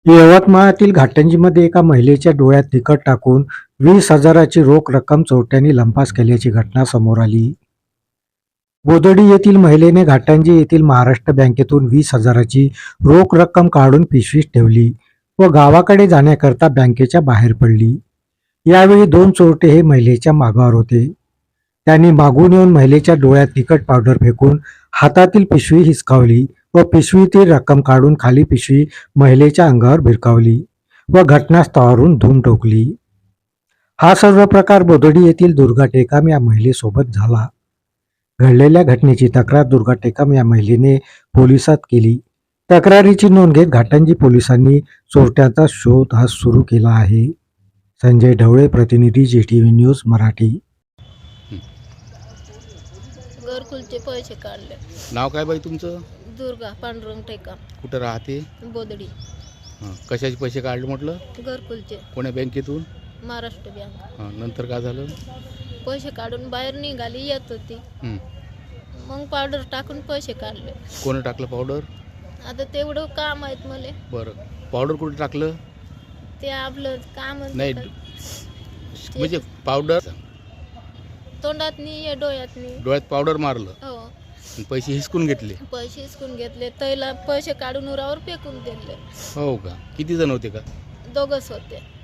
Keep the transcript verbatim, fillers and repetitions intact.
यवतमाळातील घाटंजीमध्ये एका महिलेच्या डोळ्यात तिखट टाकून वीस हजाराची रोख रक्कम चोरट्यांनी लंपास केल्याची घटना समोर आली. बोदडी येथील महिलेने घाटंजी येथील महाराष्ट्र बँकेतून वीस हजाराची रोख रक्कम काढून पिशवीत ठेवली व गावाकडे जाण्याकरता बँकेच्या बाहेर पडली. यावेळी दोन चोरटे हे महिलेच्या मागावर होते. त्यांनी मागून येऊन महिलेच्या डोळ्यात तिखट पावडर फेकून हातातील पिशवी हिसकावली व पिशवीतील रक्कम काढून खाली पिशवी महिलेच्या अंगावर भिरकावली व घटनास्थळावरून धूम ठोकली. हा सर्व प्रकार बोदडी येथील दुर्गा टेकाम या महिलेसोबत झाला. घडलेल्या घटनेची तक्रार दुर्गा टेकाम या महिलेने पोलिसात केली. तक्रारीची नोंद घेत घाटंजी पोलिसांनी चोरट्याचा शोध हा सुरू केला आहे. संजय ढवळे, प्रतिनिधी, G T V news Marathi. घरकुलचे पैसे काढले. नाव काय बाई तुमचं? दुर्गा पांडुरंग टेका, कुठं राहते? बोदडी. हां, कशाचे पैसे काढले म्हटलं? घरकुलचे, कोण्या बँकेतून? महाराष्ट्र बँक. हां, नंतर काय झालं? पैसे काढून बाहेर निघाली येत होती, हं. मग पावडर टाकून पैसे काढले. कोणी टाकलं पावडर? आता तेवढं काम आहेत मला. बरं, पावडर कुठे टाकलं? ते आपलं काम नाही म्हणजे पावडर तोंडात नाही, डोळ्यात नाही. डोळ्यात पावडर मारलं हो, आणि पैसे हिसकून घेतले? पैसे हिसकून घेतले. तैला पैसे काढून उरावर फेकून दिले. हो का? किती जण होते का? दोघच होते.